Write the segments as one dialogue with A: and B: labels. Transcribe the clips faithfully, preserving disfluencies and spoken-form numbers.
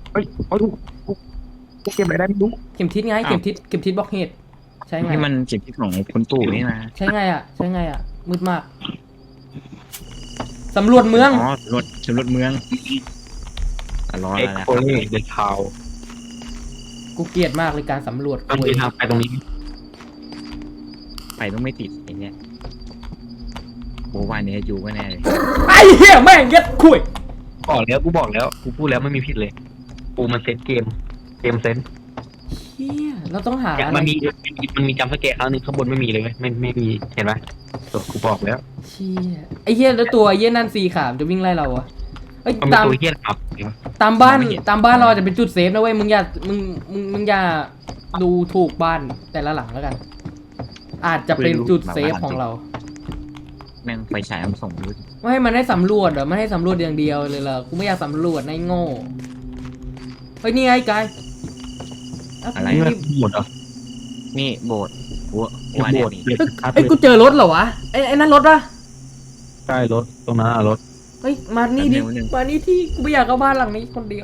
A: เฮ้ยเฮ้ยกูกูเก็บอะไรได้ไม่รู้
B: เข็มทิศไงเข็มทิศเข็มทิศบล็อกเฮดใช่ไง
C: นี่มันเก็บที่ของคุณตู่นี่นะ
B: ใช่ไงอ่ะใช่ไงอ่ะมืดมากสำรวจเมือง
C: อ๋อรถสำรวจเมืองอ่ะรอ
A: เอ็
C: แล้
A: ก
C: วนะค
A: โค
C: รับ
A: เล่เดอะทาว
B: กูเกลียดมากเลยการสำรวจ
A: ต้อง
B: คุ
A: มี
B: ย
A: ทางไปตรงนี้
C: ไฟต้องไม่ติดอย่างเงี้ยโบวันนี้อยู่ก็แน่เลย
B: ไอ้เหี้ยแม่งยัดคุย
A: บอกแล้วกูบอกแล้วกูพูดแล้วไม่มีผิดเลยกูมันเซตเกมเกมเซน
B: เหี้ยเราต้องหา
A: อย่าง
B: อะไร
A: มันมีมันมีจำสเกตครั้งหนึ่งข้างบนไม่มีเลยเว้ยไม่ไม่มีเห็นไหมกูบอกแล้ว
B: เชี่ยไอ้เหี้ยแล้วตัวไอ้เหี้ยนั่นสีขามจะวิ่งไล่เราอะเอ้ย
A: มันเป็น
B: ตาม
A: ตัวเฮี้ยนครับ
B: ตามบ้านตามบ้านเราจะเป็นจุดเซฟนะเว้ยมึงอย่ามึงมึงมึงอย่าดูถูกบ้านแต่ละหลังแล้วกัน อาจจะเป็นจุดเซฟของเรา
C: แม่งไฟฉายมันส่งรู้
B: ไม่ให้มันให้สำรวจเหรอไม่ให้สำรวจอย่างเดียวเลยเหรอกูไม่อยากสำรวจนายโง่เฮ้ยนี่ไงกาย
C: อะไร
A: นี่มันหมดอ่ะ
C: นี่โบสถ์วัว
A: โบ
C: วัวเนี่ย
A: ด
C: มี
A: เลย
B: เฮ้ย
A: ครับ
B: เฮ้ยกูเจอรถเหรอวะไอ้ไอ้นั่นรถปะ
A: ใช่รถตรงนั้นอะรถ
B: เฮ้ยมานี่ดิมานี่ที่กูไม่อยากเข้าบ้านหลังนี้คนเดียว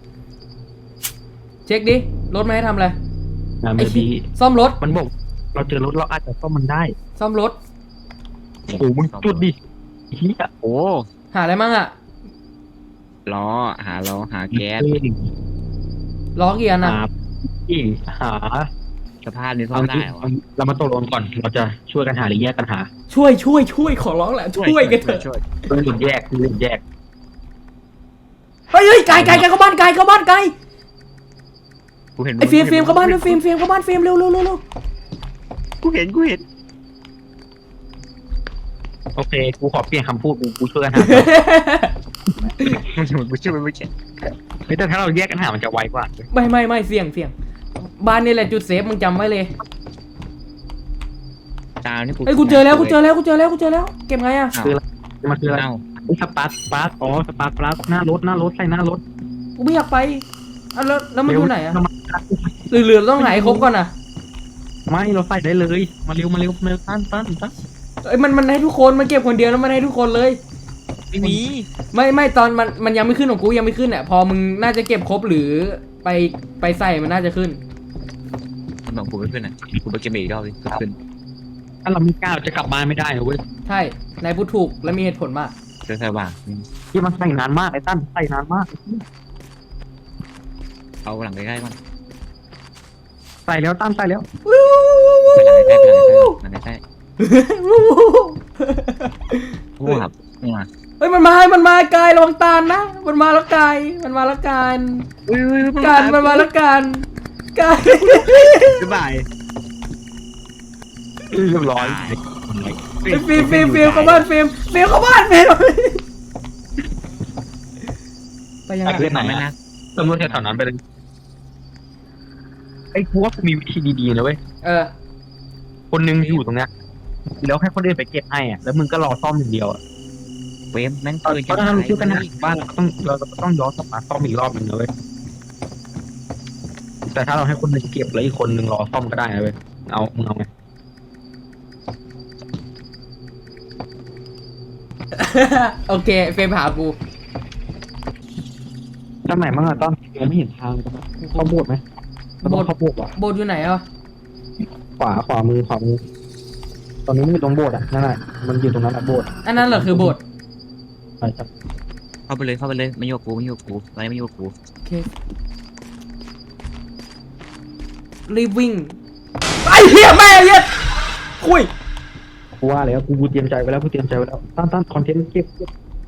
B: เช็คดิรถมาให้ทำอะไร
A: งาน
B: ไอ้
A: ไม่
B: ที่
A: ดี
B: ซ่อมรถ
A: มันบอกเราเจอรถเราอาจจะซ่อมมันได้
B: ซ่อมรถ
A: โอ้โหมึงจุดดิเฮีย
C: โอ้
B: หาอะไรมั่งอะ
C: ล้อหาล้อหาแก๊ส
B: ล้อเกียร์
A: หา
B: นะ
A: อีหา
C: สภาพนี้ซ่อมได้เหรอ
A: เรามาตกลงก่อนเราจะช่วยกันหาหรือแยกกันหา
B: ช่วยช่วยช่วยขอร้องแหละช่วยกันเถอะ
C: ช่วย
A: เรื่องหรือแยกเรื่องแยก
B: เฮ้ยเฮ้ยไกลไกลไกลเข้าบ้านไกลเข้าบ้านไกล
C: กูเห็น
B: ไอ้เฟรมเฟรมเข้าบ้านด้วยเฟรมเฟรมเข้าบ้านเฟรมเร็วเร็วเร็วเร็ว
C: กูเห็นกูเห็น
A: โอเคกูขอเปลี่ยนคำพูดกูกูช่วยกันหา
C: มันเหมือนกูช่วยไม่ใช่
A: เฮ้ยแต่ถ้าเราแยกกันหามันจะไวกว่า
B: ไม่ไม่ไม่เสี่ยงเสี่ยงบ้านนี่แหละจุดเซฟมึงจำไว้เลย
C: ตามนี่กู
B: เอ้ยกูเจอแล้วกูเจอแล้วกูเจอแล้วกูเจอแล้วเก็บไงอะ
A: คืออะไรมันคืออะไร
C: เอ้า
A: อุ๊ยสปาร์ตสปาร์ตอ๋อสปาร์ตปลั๊กหน้ารถหน้ารถใส่หน้ารถ
B: กูไม่อยากไปอ่ะแล้วแล้วมันอยู่ไหนอะ
A: เร็วมา
B: หรือเหลือต้องไหนครบก่อนอะ
A: ไม่เราใส่ได้เลยมาเร็วมาเร็วมาเร็วตั้นตั้นตั้น
B: เอ้ยมันมันให้ทุกคนมันเก็บคนเดียวแล้วมันให้ทุกคนเลย
C: ไม่มี
B: ไม่ไม่ตอนมันมันยังไม่ขึ้นของกูยังไม่ขึ้นอะพอมึงน่าจะเก็บครบหรือไปไปใส่มันน่าจะขึ้น
C: มันบอกกูไม่ขึ้นอ่ะกูไปเก็บอีกรอบดิขึ้น
A: ถ้าเราไม่กล้าเราจะกลับบ้านไม่ได้นะเว้ย
B: ใช่นายพูดถูกและมีเหตุผลมาก
C: เจอสว่าง
A: ที่มันใส่นานมากไอ้ตั้นใส่นานมาก
C: เอาหลังใกล้ๆมัน
A: ใส่แล้วตั้นใส่แล้ว
C: ไปหลังใกล้ๆไปหลังใกล้ๆหลังใกล้ๆโอ้ครับนี่มา
B: เฮ้ยมันมามันมากายระวังตาลนะมันมาแล้วกายมันมาแล้วการ
C: อุ้ยอุ้ย
B: การมันมาแล้วการกาย
C: บ๊ายบาย
A: เรียบร้อย
B: ไอ้ฟิล์มฟิล์มฟิล์มเข้าบ้านฟิล์มฟิล์มเข้าบ้านฟิล์มไปยังไง
C: ขึ้นมาไม่นะ
A: ตำรวจแถวๆนั้นไปเลยไอ้กูว่ากูมีวิธีดีๆนะเว้ย
B: เออ
A: คนนึงอยู่ตรงเนี้ยแล้วให้คนอื่นไปเก็บให้อ่ะแล้วมึงก็รอซ่อมอย่างเดียวอ่ะ
C: เวมแม่ง
A: เพราะ
C: เกิน
A: ถ้าเราช่วยกันหาบ้านเราก็ต้องเราก็ต้องย้อนกลับมาซ่อมอีกรอบหนึ่งนะเว้ยแต่ถ้าเราให้คนหนึงเก็บแล้วอีกคนหนึ่งรอซ่อมก็ได้นะเว้ยเอามึงเอาไง
B: โอเคเฟรมหากู
A: ทำไหนบ้างอะต้นยังไม่เห็นทางเลยนะเข้าโบสถ์ไหมเราต้องเข้าโบสถ์ว่ะ
B: โบสถ์อยู่ไหนอ่ะ
A: ขวาขวามือขวามือตอนนี้มันอยู่ตรงโบสถ์อ่ะนั่นแหละมันอยู่ตรงนั้นอะโบสถ์
B: อันนั้นเหรอคือโบสถ์
A: ใช่ครับ
C: เข้าไปเลยเข้าไปเลยไม่โยกกูไม่โยกกูอะไรไม่โยกกู
B: โอเครีบวิ่งไอ้เหี้ยแม่เหี้ยคุย
A: กูว่าแล้วกูกูเตรียมใจไว้แล้วกูเตรียมใจไว้แล้วตั้นตั้นคอนเทนต์เก็บเก็บ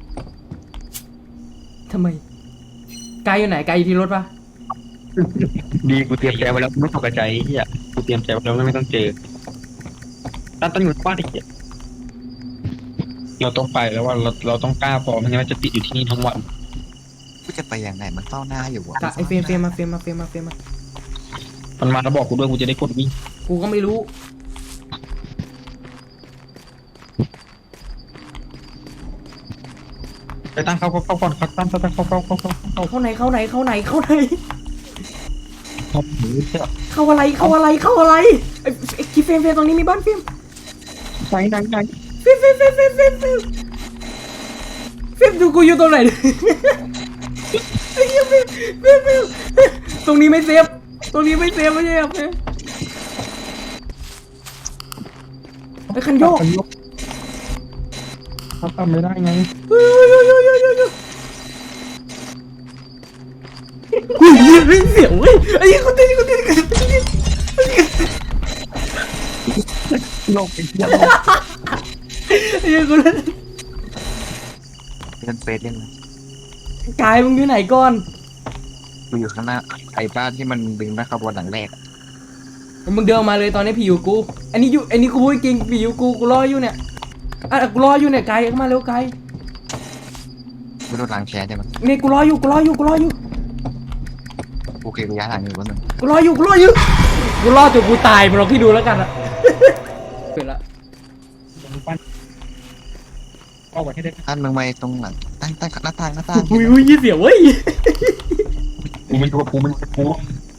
B: ทำไมกายอยู่ไหนกายอยู่ที่รถปะ
A: ดีกูเตรียมใจไว้แล้วกูไม่ตกใจไอ้เฮียกูเตรียมใจไว้แล้วไม่ต้องเจอตั้นตั้นอยู่บ้านไอ้เหี้ยเราต้องไปแล้วว่าเราเราต้องกล้าพอไม่งั้นมันจะติดอยู่ที่นี่ทั้งวัน
D: กูจะไปอย่างไหนมันเฝ้าหน้าอยู่วะ
B: กะไอ้เฟรมเฟรมมาเฟรมมาเฟรมมาเฟรมมา
A: มันมาแล้วบอกกูด้วยกูจะได้กดวิ่ง
B: กูก็ไม่รู้
A: ไปตั้งเข้าเข้าเข้าก่อนครับตั้งตั้งตั้งเข้าเข้าเข้าเข้าเข้า
B: เข้าไหนเข้าไหนเข้าไหนเข้าไหน
A: เข้าหมูเชี่ย
B: เข้าอะไรเข้าอะไรเข้าอะไรไอ้ไอ้ที่เฟรมเฟรมตรงนี้มีบ้านเฟรม
A: ไหนไหนไหน
B: เฟรมเฟรมเฟรมเฟรมเฟรมเฟรมเฟรมดูกูอยู่ตรงไหนไอ้เหี้ยเฟมเฟมเฟมตรงนี้ไม่เซฟตรงนี้ไม่เซฟไม่ใช่ครับเฟมไอ้คันโยก
A: เขาทำไม่ได้ไง
B: เฮ้ยเฮ้ยเฮ้ยเฮ้ยเฮ้ยเฮ้ยอุ้ยเฮ้ยเสียวเว้ยไอ้ยี่คนเต้นคนเต้นคนเต้น
A: โลกไอ้เหี้ย
B: ไอ้ยี่คนเต้น
D: เล่นเฟซเล่นไหม
B: กายมึงอยู่ไหนก่อน
D: กูอยู่ข้างหน้าไอ้บ้านที่มันดึงหน้าขบวนหลังแรกอะ
B: มึงเดินมาเลยตอนนี้ผีอยู่กูอันนี้อยู่อันนี้กูพูดจริงผีอยู่กูกูรออยู่เนี่ยอ่ะกูรออยู่เนี่ยกายเข้ามาเร็วกาย
D: ไม่โดนล้างแค้นใช่ไหม
B: นี่กูรออยู่กูรออยู่กูรออยู่
D: โอเคกูย้ายหลังอยู่วันหนึ่ง
B: กูรออยู่กูรออยู่กูรอจนกูตายมึงลองคิดดูแล้วกันอะเสร็จละ
A: เอาไว้ให้ได้
D: ท่านมึงไปตรงหลังตั้งตั้งหน้าต่างหน้าต่าง
B: อุ้ยอุ้ยยี่เสียวเว้ย
A: กูมันอยู่กับกูมันอยู่กับกู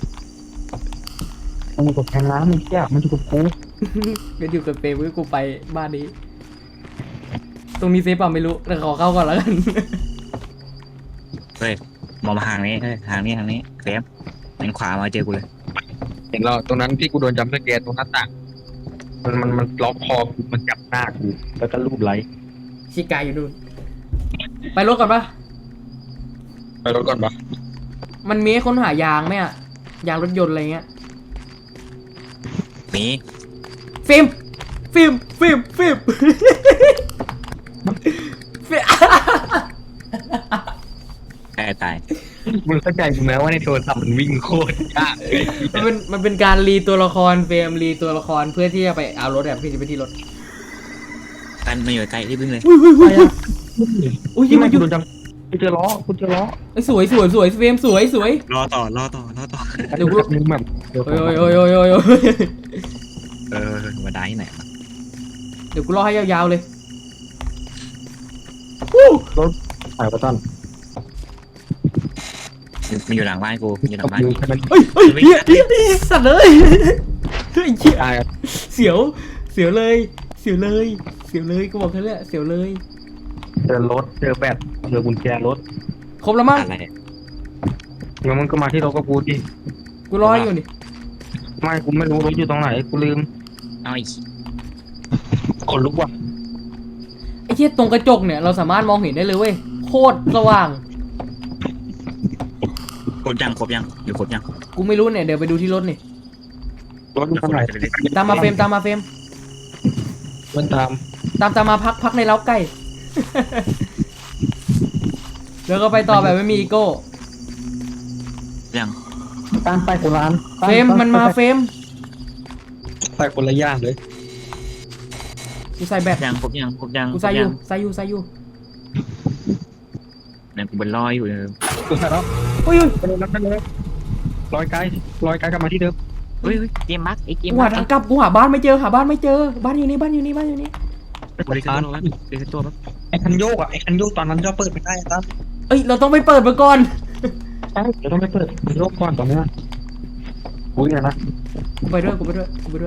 A: มันอยู่กับแทงน้ำมึงเหี้ยมันอยู่กับกู
B: ก็อยู่กับเปย์เว้ยกูไปบ้านนี้ ตรงนี้เซฟป่ะไม่รู้แต่ขอเข้าก่อนแล้วกัน
C: เฮ้ยมองมาทางนี้เฮ้ยทางนี้ทางนี้เฟมหันขวามาเจอกูเลย
A: เห็นเราตรงนั้นที่กูโดนจำสแกนตรงหน้าต่างมันมันมันล็อกคอกูมันจับหน้ากูแล้วก็รูปไลค์
B: ชิกายอยู่นู่นไปรถก่อนปะ
A: ไปรถก่อนปะ
B: มันมีให้ค้นหายางไหมอะยางรถยนต์อะไรเงี้ย
C: มี
B: ฟิล์มฟิล์มฟิล์มฟิล์มฟิล์ม
C: ใกล้ตาย
A: มึงเข้าใจกูไหมว่าในโทรศัพท์มันวิ่งโคตรยากเลย
B: มันเป็นมันเป็นการรีตัวละครเฟรมรีตัวละครเพื่อที่จะไปเอารถแบบพี่จะไปที่รถ
C: กันมาอยู่ใกล้ที่พึ่งเลย
B: อุ้ยอุ้ยอุ้ย
A: อุ้ยที่มันกูโดนจำกูเจอล้อกูเจอล้อ
B: เอ้ยสวยสวยสวยเฟรมสวยสวย
C: รอต่อรอต่อรอต่อ
B: เดี๋ยวกู
A: มึงแบบเดี๋ยว
B: โอ้ยโอ้ยโอ้ยโอ้ยโอ้ยโอ้ย
C: เออมาได้ที่ไหนวะ
B: เดี๋ยวกูรอให้ยาวๆเลย
A: ถ่ายประตัน
C: มันอยู่หลังบ้านกูมันอยู่หลังบ้าน
A: มื
C: กู
A: อแค่นั้น
B: เฮ้ยเฮ้ยเฮียเฮียเฮียสัตว์เลยเฮ้ยเฮีย
A: ตาย
B: เสียวเสียวเลยเสียวเลยเสียวเลยกูบอกแค่นี้แหละเสียวเลย
A: เจอรถเจอแบตเจอกุญแจรถ
B: ครบแล้วมั้ง
C: อะไร
A: งั้นมึงก็มาที่รถกับกูดิ
B: กูรออยู่นี่
A: ไม่กูไม่รู้รถอยู่ตรงไหนกูลืม
C: เอาอีก
A: ขนลุกว่ะ
B: ไอ้เหี้ยตรงกระจกเนี่ยเราสามารถมองเห็นได้เลยเว้ยโคตรสว่าง
C: ครบยังครบยังอยู่ครบยัง
B: กูไม่รู้เนี่ยเดี๋ยวไปดูที่รถนี่
A: รถอยู่ตรงไหน
B: ตามมาเฟรมตามมาเฟรม
A: มันตาม
B: ตามตามมาพักพักในเล้าไก่ แล้วก็ไปต่อแบบไม่มีอีโก้
C: ยัง
A: ตามไปคนร้าน
B: เฟรมมันมาเฟรม
A: ไปคนละอย่างเลย
B: กูใส่แบต
C: ยังครบยังครบยัง
B: กูใส่อยู่ใส่อยู่ใส่อยู่
C: เนี่ยกูเป็นรอยอยู่เลย
A: กูใส่แล้ว
B: อุ้ยอุ้ย
A: ไปเลยรับได้เลยลอยไกลลอยไกลกลับมาที่เดิม
C: เฮ้ยเกมมักไอ้เกม
B: กู
C: มั
B: หาก ทางกลับกูหาบ้านไม่เจอหาบ้านไม่เจอบ้านอยู่นี่บ้านอยู่นี่บ้านอยู่นี่
C: บริการตัวแล้วบริการตัวแล้ว
A: ไอ้คันโยกอ่ะไอ้คันโยกตอนนั้นเราเปิดไม่ได้ตั้ม
B: เอ้ยเราต้องไปเปิดมาก่อน
A: ใช่เดี๋ยวต้องไปเปิดคันโยกก่อนตอนนี้อุ้ยนะ
B: กูไปด้วยกูไปด้วยกูไปด้วย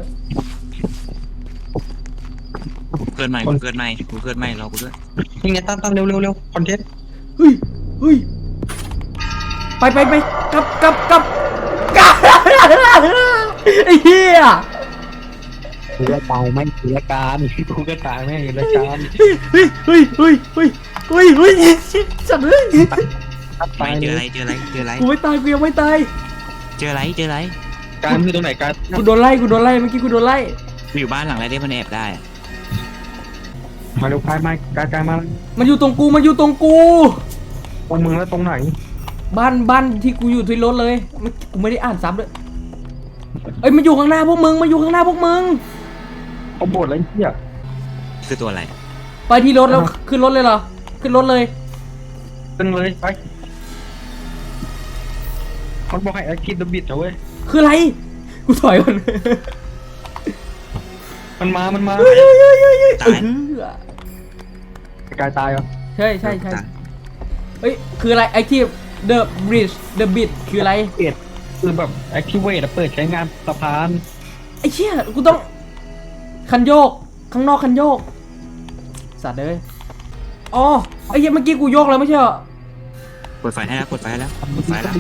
C: เกิดใหม่กูเกิดใหม่กูเกิดใหม่รอกูด้วย
A: ยังไงตั้มตั้มเร็วเร็วเร็วคอนเทนต์
B: เฮ้ยเฮ้ยไปไปไปกลับกลับกลับกลับไอ้เหี้ย
A: เรือตายไม่เรือการกูก็ตายไม่เรือการ
B: เฮ้ยเฮ้ยเฮ้ยเฮ้ยเฮ้ยเฮ้ยเฮ้ยสัตว์เลย
A: ตาย
C: เจอ
A: เล
C: อะไร
A: ย
C: เจออะไรเจออะไร
B: กูไม่ตายกูยังไม่ตาย
C: เจออะไรเจออะไร
A: การคือตรงไหนการ
B: กูโดนไล่กูโดนไล่เมื่อกี้กูโดนไล่
C: อยู่บ้านหลังอะไรที่มันแอบได้
A: มาเร็วพายมาการการมา
B: มันอยู่ตรงกูมันอยู่ตรงกู
A: ตรงมึงแล้วตรงไหน
B: บ้านบ้านที่กูอยู่ที่รถเลยมันกูไม่ได้อ่านซ้ำเลยเอ้ยมันอยู่ข้างหน้าพวกมึงมันอยู่ข้างหน้าพวกมึง
A: เขาบดอะไรเหี้ย
C: คือตัวอะไร
B: ไปที่รถแล้วขึ้นรถเลยเหรอขึ้นรถเลย
A: ตึงเลยไปเขาบอกให้แอคทีฟเดอะบิดนะเว้ย
B: คืออะไรกูถอยก่อน
A: มันมามันมา
B: เฮ้ยเฮ้ยเฮ้ยเฮ้ยเฮ้ย
C: ตาย
B: เออก
A: ายตายเหรอ
B: ใช่ใช่ใช่เอ้ยคืออะไร active the bridge the bit คืออะไร
A: เปิดคือแบบแอคทีเวตเปิดใช้งานสะพาน
B: ไอ้เชี่ยกูต้องคันโยกข้างนอกคันโยกสัตว์เลยอ๋อไอ้เหี้ยเมื่อกี้กูโยกแล้วไม่ใช่เหรอ
C: เปิดไฟให้แล้วเปิดไฟให้แล้วเปิดไฟแล้ว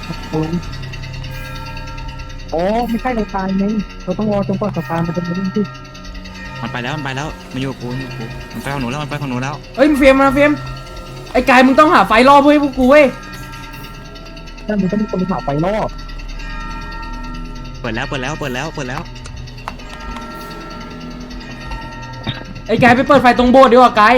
A: โอ้ไม่ใช่เราตายไงเราต้องรอจนกว่าสะพานมันจะมาเล่นที่
C: มันไปแล้วมันไปแล้วมันอยู่กับกูมันอยู่กับกูมันไปของหนูแล้วมันไปของหนูแล้ว
B: เอ้ยเฟรมมาเฟรมไอ้กายมึงต้องหาไฟล่อเพื่อให้พวกกูเว้ย
A: นั่นมันต้องมีคนไปหาไฟรอบ
C: เปิดแล้วเปิดแล้วเปิดแล้วเปิดแล้ว
B: ไอ้กายไปเปิดไฟตรงโบสถ์ดีกว่ากาย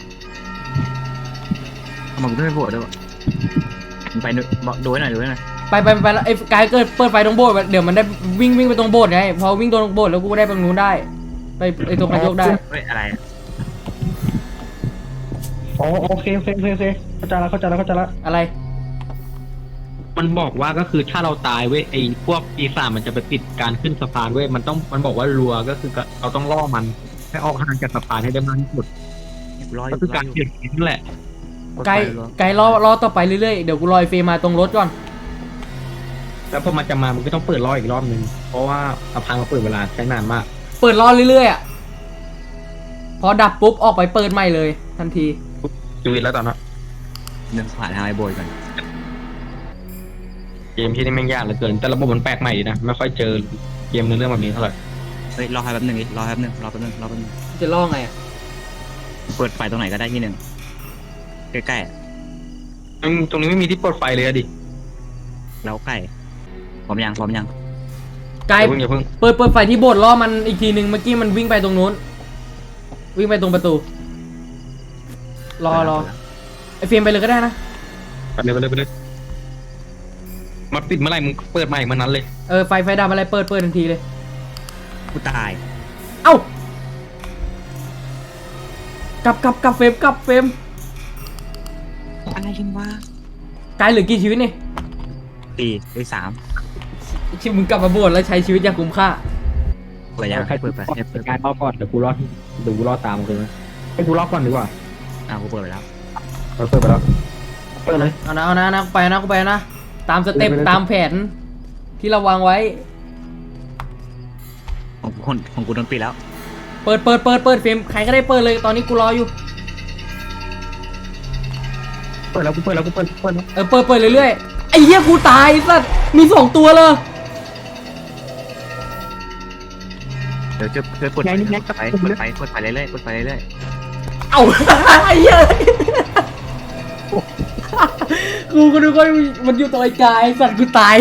C: ทำไมกูไม่ไปโบดด้วยวะมันไปดูบอกดูให้หน่อยดูให้หน่อย
B: ไปไปไปแล้วไอ้กายเกิดเปิดไฟตรงโบสถ์เดี๋ยวมันได้วิ่งวิ่งไปตรงโบสถ์ไงพอวิ่งตรงโบสถ์แล้วกูได้ไปตรงนู้นได้ไปไอ้ตรงนายกได้
C: เฮ้ยอะไรอะ
A: อ๋อโอเคโอเคโอเคโอเคเข้าใจแล้วเข้าใจแล้วเข้าใจแล้ว
B: อะไร
A: มันบอกว่าก็คือถ้าเราตายเว้ยไอ้พวกปีศาจมันจะไปปิดการขึ้นสะพานเว้ยมันต้องมันบอกว่ารัวก็คือเราต้องล่อมันให้ออกห่างจากสะพานให้ได้มากที่สุด
C: รออ
A: ก็
C: ยู่
A: คือ
C: รอ
A: การ
C: อยู่
A: เปลี่ยนนั่นแหละ
B: ไกลไกลรอรอต่อไปเรื่อยๆ เดี๋ยวกูรอไอ้เฟรมมาตรงรถก่อน
A: แล้วพอมันจะมามันก็ต้องเปิดล่ออีกรอบนึงเพราะว่าสะพานมันเปิดเวลาใช้นานมาก
B: เปิดรอเรื่อยๆอ่ะ พอดับปุ๊บออกไปเปิดใหม่เลย ทันที
A: ชีวิตแล้วตอนนั้น
C: เดินผ่านทางไอ้โบยก่อน
A: เกมที่นี่แม่งยากเหลือเกินแต่ระบบมันแปลกใหม่ดีนะไม่ค่อยเจอเกมเนื้อเรื่องแบบนี้เท่าไหร่
C: เฮ้ยรอให้แป๊บหนึงดิรอแป๊บหนึงรอแป๊บหนึงรอแป๊บหนึง
B: จะล่อไงอะ
C: เปิดไฟตรงไหนก็ได้ที่หนึ่งใกล้ๆอะ
A: อืมตรงนี้ไม่มีที่เปิดไฟเลยอะดิ
C: แล้วใกล้พร้อมยังพร้อมยัง
B: ไกล
A: อย่าเพิ่งอย่าเพิ่ง
B: เปิดเปิดไฟที่โบสถ์ล่อมันอีกทีหนึ่งเมื่อกี้มันวิ่งไปตรงนู้น วิ่งไปตรงประตู รอรอไอ้เฟรมไปเลยก็ได้นะ
A: ไปเลยไปเลยไปเลยมาปิดเมื่อไหร่มึงเปิดใหม่เมื่อนั้นเลย
B: เออไฟไฟดับอะไรเปิดเปิดทันทีเลย
C: กูตาย
B: เอ้ากลับกลับกลับเฟรมกลับเฟรม
C: อะไรกันวะ
B: ไกลเหลือกี่ชีวิตนี่
C: สี่ไอ้สาม
B: ชิมึงกลับมาโบสถ์แล้วใช้ชีวิตอย่างคุ้มค่า
C: เปิดยังให้เปิดไปให้เปิด
A: การรอก่อนเดี๋ยวกูรอเดี๋ยวกูรอตามมึงเลยให้กูรอก่อนดีกว่า
C: อ่ะกูเปิดไปแล้ว
A: เราเปิดไปแล้วเปิดเลย
B: เอานะเอานะนะกูไปนะกูไปนะ ตามสเต็ป
A: ไปเลย
B: ตามแผน ที่เราวางไว้
C: ของกูคนของกูโดนปิดแล้ว
B: เปิดเปิดเปิดเปิดเฟรมใครก็ได้เปิดเลยตอนนี้กูรออยู่
A: เปิดแล้วกูเปิดแล้วกูเปิดเปิดแล้ว
B: เออเปิดเปิดเรื่อยๆไอ้เหี้ยกูตายสัสมีสองตัวเลย
C: เดี๋ยวจะจะเปิดไฟเปิดไฟเปิดไฟเปิดไฟเรื่อยๆเปิดไฟเรื่อย
B: เอ้า ไอ้เหี้ยกูก็นึกว่ามันอยู่ตัวไอ้กายสัตว์กูตาย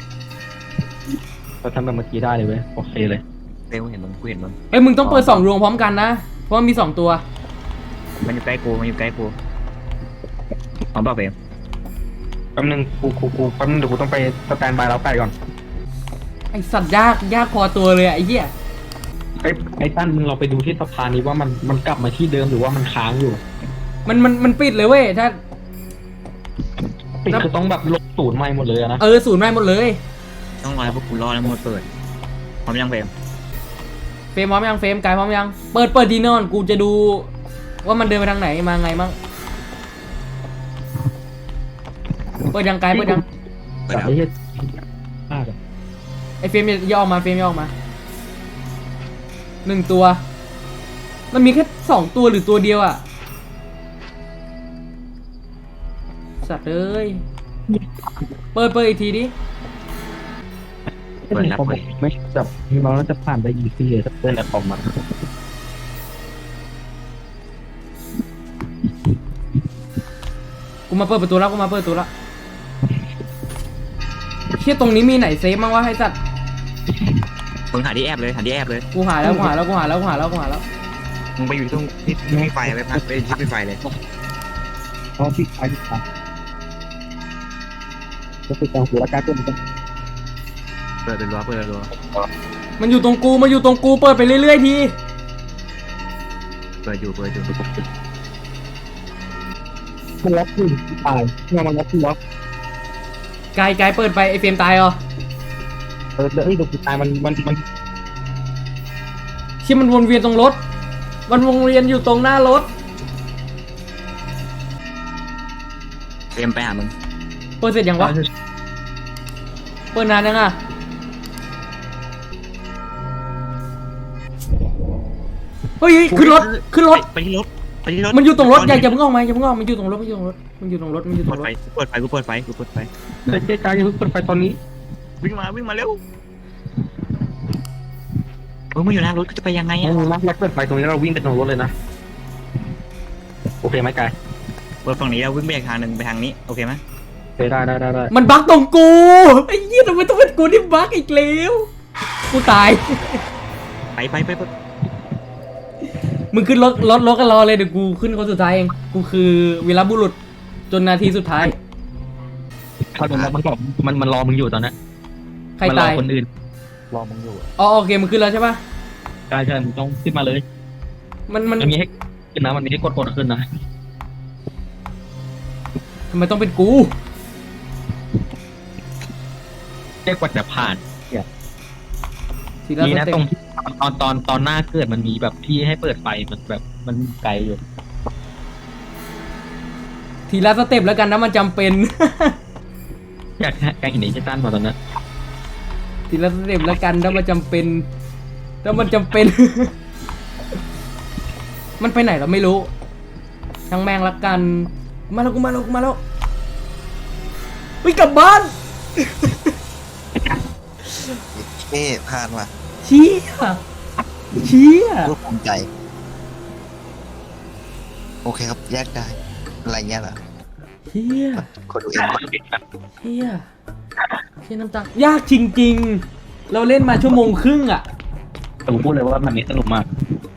A: เราทำแบบเมื่อกี้ได้เลยเว้ยโอเคเลย
C: ๆเร็วเห็นมึงกูเห็นมึง
B: เฮ้ยมึงต้องเปิดสองดวงพร้อมกันนะ เพราะมันมีสองตัว
C: มันอยู่ใกล้กูมันอยู่ใกล้กูพร้อมเปล่าเบม
A: แป๊บนึงกูกูกูแป๊บนึงเดี๋ยวกูต้องไปสแตนบายแล้วไก่ก่อน
B: ไอ้สัตว์ยากยากพอตัวเลยอะไอ้เหี้ย
A: ไอ้ไอ้ตั้นมึงเราไปดูที่สะพานนี้ว่ามันมันกลับมาที่เดิมหรือว่ามันค้างอยู่
B: มันมันมันปิดเลยเว้ยถ้า
A: ปิดคือต้องแบบลบศูนย์ใหม่หมดเลยอะนะ
B: เออศูนย์ไม่หมดเลย
C: ต้องรอให้พวกกูรอแล้วหมดเปิดพร้อมยังเบม
B: เฟรมพร้อมยังเฟรมกายพร้อมยังเปิดเปิดดีนอนกูจะดูว่ามันเดินไปทางไหนมาไงมั่งเปิดยังกายเปิดยัง
C: เปิด
A: แบบ
C: แล้ว
A: ไอ้เหี้ยมากอะ
B: ไอเฟรมอย่าอย่าออกมาเฟรมอย่าออกมาหนึ่งตัว มันมีแค่สองตัวหรือตัวเดียวอะสัตว์เอ้ยเปิดเปิดอีกทีดิ
C: เปิดแล้วเปิด
A: ไม่จับเราแล้วจะผ่านได้ยีซี่เลยถ้าเปิดแล้วออกมา
B: กูมาเปิดประตูแล้วกูมาเปิดประตูแล้วเชี่ยตรงนี้มีไหนเซฟมั้งวะให้สัตว์
C: มึงหาที่แอบเลยหาที่แอบเลย
B: กูหาแล้วกูหาแล้วกูหาแล้วกูหาแล้วกูหาแล้ว
C: มึงไปอยู่ตรงที่ที่มีไฟไปพักไปที่มีไฟเลย
A: เพราะพี่ชายพี่ชายก็คือการหัวการตัวมัน
C: เปิดเป็นรั้วเปิดเป็นรั้ว
B: มันอยู่ตรงกูมันอยู่ตรงกูเปิดไปเรื่อยๆที
C: เปิดอยู่เปิดอยู่
A: มันล็อกอยู่ตายเนี่ยมันล็อกที่ล็อก
B: กายกายเปิดไปไอเฟรมตายเหรอ
A: เออเดี๋ยวไอ้ดูตายมันมันมัน
B: เชี่ยมันวนเวียนตรงรถมันวนเวียนอยู่ตรงหน้ารถ
C: เตรียมไปหามึง
B: เปิดเสร็จยังวะเปิดนานยังอ่ะเฮ้ยขึ้นรถขึ้นรถ
C: ไปที่รถไปที่รถ
B: มันอยู่ตรงรถอย่าอย่าเพิ่งออกมาอย่าเพิ่งออกมามันอยู่ตรงรถมันอยู่ตรงรถมันอยู่ตรงรถมันอยู่ตร
C: เปิด
B: งร
C: ไฟ
B: ถ
C: กูเปิดไฟกูเปิดไฟกูเปิดไฟ
A: เฮ้ยเจ๊กายอย่าเพิ่งเปิดไฟตอนนี้
C: วิ่งมาวิ่งมาเร็วเออมึงอยู่หน้ารถกูจะไปยังไง
A: งั้
C: อ่ะ
A: นเราเราเปิดไฟตรงนี้เราวิ่งไปตรงรถเลยนะโอเคไหมกาย
C: เปิดฝั่งนี้แล้ววิ่งไปอีกทางหนึ่งไปทางนี้โอเคไหม
A: โอเคได้ได้ได้ได้
B: มันบั๊กตรงกูไอ้เหี้ยทำไมต้องเป็นกูที่บั๊กอีกแล้วกูตาย
C: ไปไปไปไป
B: มึงขึ้นรถรถรถกันรอเลยเดี๋ยวกูขึ้นคนสุดท้ายเองกูคือวีรบุรุษจนนาทีสุดท้าย
A: เขาโดนแล้วมันบอกมันมันรอมึงอยู่ตอนนี้
B: ใคร
A: มันรอ
B: ตาย
A: คนอื่น
D: รอมึงอยู่อะ
B: อ๋อโอเคมึงขึ้นแล้วใช่ปะ
A: ใช่ใช่มึงต้องขึ้นมาเลย
B: มันมัน
A: มันมีให้ขึ้นนะมันมีให้กดกดขึ้นนะ
B: ทำไมต้องเป็นกู
A: เรียกว่าจะผ่าน
B: ทีละ
A: มี
B: ส
A: นะ
B: เต็
A: ต
B: ป
A: รงที่ตอนตอนตอนหน้าเกิดมันมีแบบที่ให้เปิดไฟมันแบบมันไกลอยู่
B: ทีละสเต็ปแล้วกันนะมันจำเป็น
A: อยากแกงเห็นไอ้เจตันมาตอนนั้น
B: ทีละสเต็ปแล้วกันถ้ามันจำเป็นถ้ามันจำเป็น มันไปไหนเราไม่รู้ช่างแม่งละกันมาแล้วกูมาแล้วกูมาแล้ววิ่งกลับบ้าน
D: เอ๊ะพลาดว่ะ
B: เชี่ยเชี่ย
D: พูดภูมิใจ โอเคครับแยกได้อะไรเงี้ยเหรอ
B: เชี่ย
D: คนดูเอง
B: เชี่ยเชี่ยน้ำตายากจริงๆ เราเล่นมาชั่วโมงครึ่งอ่ะ
A: แต่ผมพูดเลยว่ามันนี้สนุกมาก